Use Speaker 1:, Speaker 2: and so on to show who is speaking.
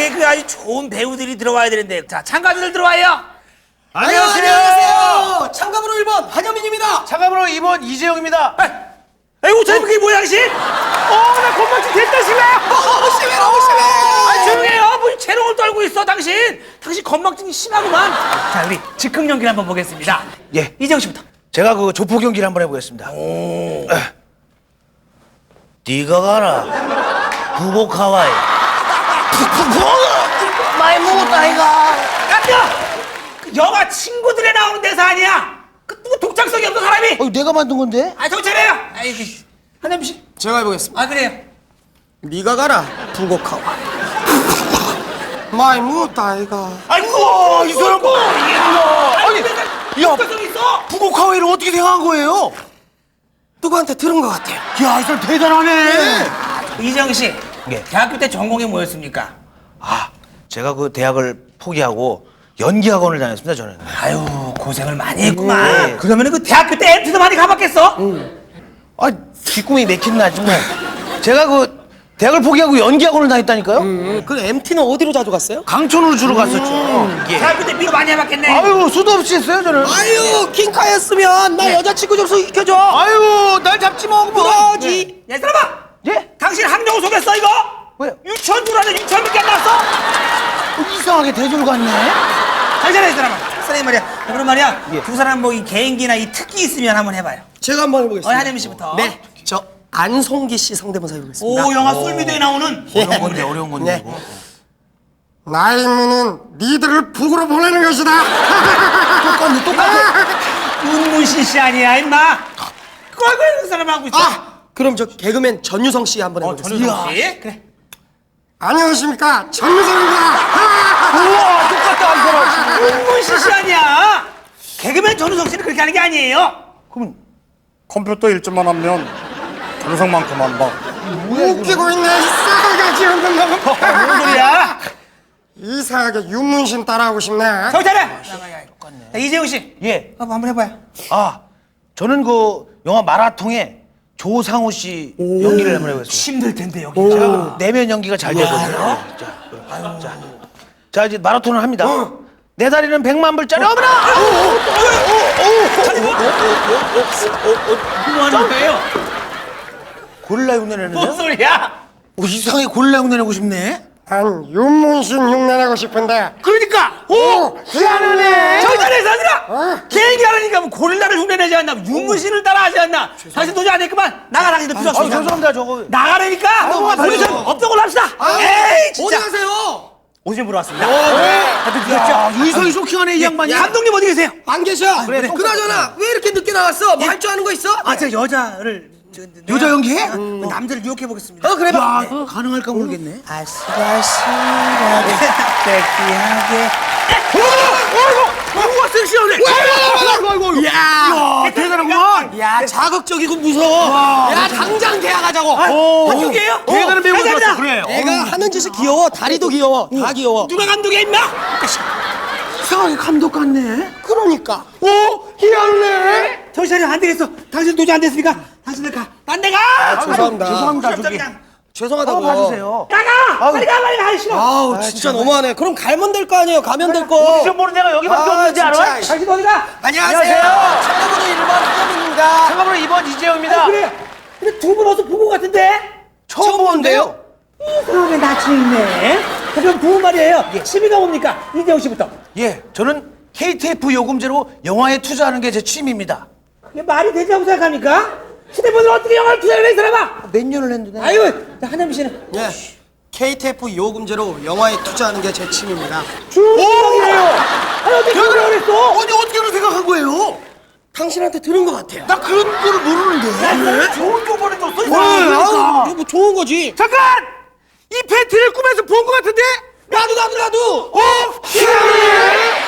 Speaker 1: 대학에 그 아주 좋은 배우들이 들어와야 되는데. 자, 참가자들 들어와요.
Speaker 2: 안녕하세요. 참가번호 1번 한현민입니다.
Speaker 3: 참가번호 2번 이재용입니다.
Speaker 1: 아이고, 저 그게 뭐야, 당신?
Speaker 3: 나 건방지 됐다 심해.
Speaker 2: 너무 심해, 너무 심해.
Speaker 1: 아, 조용해요. 뭐 재롱을 떨고 있어, 당신. 당신 건망증이 심하구만. 자, 우리 즉흥 연기를 한번 보겠습니다.
Speaker 3: 예.
Speaker 1: 이재용 씨부터.
Speaker 3: 제가 그 조폭 연기를 한번 해보겠습니다. 네가 가라. 부곡 하와이. 많이 먹었다 이가.
Speaker 1: 깜짝! 그 영화 친구들에 나오는 대사 아니야? 그 누구 독창성이 없는 사람이?
Speaker 3: 내가 만든 건데?
Speaker 1: 아, 정신 차려요. 아이고, 한현민 씨.
Speaker 2: 제가 해보겠습니다.
Speaker 1: 아, 그래요.
Speaker 2: 네가 가라 부곡하고 많이 먹었다 아이가.
Speaker 1: 아이고,
Speaker 3: 이 사람 뭐?
Speaker 1: 아니,
Speaker 3: 야,
Speaker 1: 독창성 있어.
Speaker 3: 부곡 하와이를 어떻게 생각한 거예요?
Speaker 2: 누구한테 들은 것 같아요.
Speaker 3: 야, 이 사람 대단하네.
Speaker 1: 이재용 씨.
Speaker 3: 예.
Speaker 1: 대학교 때 전공이 뭐였습니까?
Speaker 3: 제가 그 대학을 포기하고 연기학원을 다녔습니다, 저는.
Speaker 1: 아유, 고생을 많이 했구만.
Speaker 3: 네.
Speaker 1: 그러면은 그 대학교 때 MT도 많이 가봤겠어?
Speaker 3: 뒷꿈이 맥힌나 정말. 제가 그 대학을 포기하고 연기학원을 다녔다니까요.
Speaker 2: 그 MT는 어디로 자주 갔어요?
Speaker 3: 강촌으로 주로 갔었죠. 예.
Speaker 1: 대학교 때 미도 많이 해봤겠네.
Speaker 3: 아유, 수도 없이 했어요, 저는.
Speaker 2: 아유 킹카였으면 나 여자친구 좀 소개시켜줘.
Speaker 3: 아유, 날 잡지 마.
Speaker 2: 그러지.
Speaker 1: 야, 사람아!
Speaker 3: 예?
Speaker 1: 당신 학령을 속였어, 이거?
Speaker 3: 왜요?
Speaker 1: 유치원주라는 유치원밖에 안 나왔어?
Speaker 3: 이상하게 대졸 같네.
Speaker 1: 잘잘해, 이 사람아. 선생님 말이야. 그럼 말이야.
Speaker 3: 예.
Speaker 1: 두 사람 뭐 이 개인기나 이 특기 있으면 한번 해봐요.
Speaker 2: 제가 한번 해보겠습니다.
Speaker 1: 한현민 씨부터.
Speaker 2: 네, 저 안송기 씨 성대모사 해보겠습니다.
Speaker 1: 오, 영화 솔미도에 나오는.
Speaker 3: 어려운 건데, 어려운 건데.
Speaker 2: 네.
Speaker 3: 이거.
Speaker 2: 나의 의무는 니들을 북으로 보내는 것이다.
Speaker 3: 똑같네.
Speaker 1: 윤문신 씨 아니야, 임마. 그걸 왜 그 사람 하고 있어?
Speaker 2: 그럼 저 개그맨 전유성 씨 한번 해보겠습니다.
Speaker 1: 전유성 씨. 그래.
Speaker 2: 안녕하십니까 전유성입니다.
Speaker 3: 우와, 똑같다, 이 사람.
Speaker 1: 윤문신 씨 아니야. 개그맨 전우성 씨는 그렇게 하는 게 아니에요.
Speaker 3: 그럼
Speaker 4: 컴퓨터 일주만 하면 전성만큼 한다.
Speaker 2: 웃기고 있네. 싸가지 없는 놈.
Speaker 1: 뭔 소리야?
Speaker 2: 이상하게 윤문신 따라하고 싶네.
Speaker 1: 정찰해. 자, 이재용 씨.
Speaker 3: 예.
Speaker 1: 한번 해봐요.
Speaker 3: 저는 그 영화 마라통에 조상우 씨 연기를 한번 해보겠습니다.
Speaker 1: 힘들 텐데 여기.
Speaker 3: 제가 그 내면 연기가 잘 되거든요. 자, 이제 마라톤을 합니다. 내 다리는 100만 불짜리. 어머나!
Speaker 1: 뭐 하는 거예요?
Speaker 3: 고릴라 흉내 내는데?
Speaker 1: 뭔 소리야?
Speaker 3: 이상하게 고릴라 흉내 내고 싶네.
Speaker 2: 난 윤문신 흉내내고 싶은데.
Speaker 1: 그러니까.
Speaker 2: 오, 희한하네.
Speaker 1: 정찰해, 사들아. 개인기 하려니까 뭐 고릴라를 흉내내지 않나? 윤문신을 따라하지 않나? 당신 도저히 안 했구만. 나가, 당신도 필요 없어.
Speaker 3: 죄송합니다, 저거.
Speaker 1: 나가라니까. 포지션 없던 걸로 합시다. 에이, 진짜.
Speaker 2: 어디 가세요?
Speaker 1: 오디션 보러 왔습니다.
Speaker 3: 하여튼 늦었죠? 의성이 쇼킹하네, 이 양반이.
Speaker 1: 감독님 어디 계세요?
Speaker 2: 안 계셔.
Speaker 3: 그래.
Speaker 2: 그나저나 왜 이렇게 늦게 나왔어? 뭐 할 줄 아는 거 있어?
Speaker 1: 제가 여자를
Speaker 3: 여자 연기해?
Speaker 1: 남자를 유혹해 보겠습니다.
Speaker 2: 그래 봐.
Speaker 3: 가능할까 모르겠네.
Speaker 1: 아슬아슬하게 섹시하게.
Speaker 3: 우와, 섹시하네. 아이고. 야, 대단하구만.
Speaker 2: 야, 자극적이고 무서워. 야, 당장 계약하자고.
Speaker 1: 한쪽이에요?
Speaker 3: 대단한 배우가
Speaker 1: 감사합니다.
Speaker 3: 들었어. 그래요.
Speaker 2: 애가 하는 짓이 귀여워. 다리도 귀여워. 다 귀여워.
Speaker 1: 누가 감독이야, 임마?
Speaker 3: 이상하게 감독 같네.
Speaker 2: 그러니까.
Speaker 3: 희한해.
Speaker 1: 정신 차려, 안 되겠어. 당신 도저히 안 됐으니까 당신들 가. 딴 데 가.
Speaker 2: 죄송합니다.
Speaker 3: 죄송합니다, 저기.
Speaker 1: 그냥
Speaker 2: 죄송하다고.
Speaker 3: 봐주세요.
Speaker 1: 나가. 빨리 가, 빨리 가. 싫어.
Speaker 2: 아우, 진짜 너무하네. 그럼 가면 될 거 아니에요. 가면 될 거.
Speaker 3: 오디션 보는 데가 여기밖에 없는지 알아?
Speaker 2: 진짜.
Speaker 1: 당신 어디 가?
Speaker 2: 안녕하세요. 참가번호 1번 한현민입니다.
Speaker 3: 참가번호 2번 이재용입니다.
Speaker 1: 그래. 근데 두 분 어디서 본 것 같은데?
Speaker 2: 처음 보는데요?
Speaker 1: 이상하게 낯이 있네. 그럼 두 분 말이에요. 취미가 뭡니까? 이재용 씨부터.
Speaker 3: 예, 저는 KTF 요금제로 영화에 투자하는 게 제 취미입니다.
Speaker 1: 그게 말이 되자고 생각합니까? 휴대폰을 어떻게 영화를 투자를 해, 이 사람아?
Speaker 3: 몇 년을 했는데.
Speaker 1: 아유, 한현민 씨는
Speaker 2: 예. KTF 요금제로 영화에 투자하는 게 제 취미입니다.
Speaker 1: 중성이에요. 아니, 어떻게 그런 걸 했어?
Speaker 3: 아니, 어떻게 그런 생각한 거예요?
Speaker 2: 당신한테 들은 것 같아요.
Speaker 3: 나 그런 거를 모르는데.
Speaker 1: 좋은 정보를 줬어, 이
Speaker 2: 와,
Speaker 1: 사람.
Speaker 2: 아우, 이거 뭐 좋은 거지.
Speaker 3: 잠깐! 이 팬티를 꿈에서 본 것 같은데?
Speaker 2: 나도.
Speaker 3: 희한해!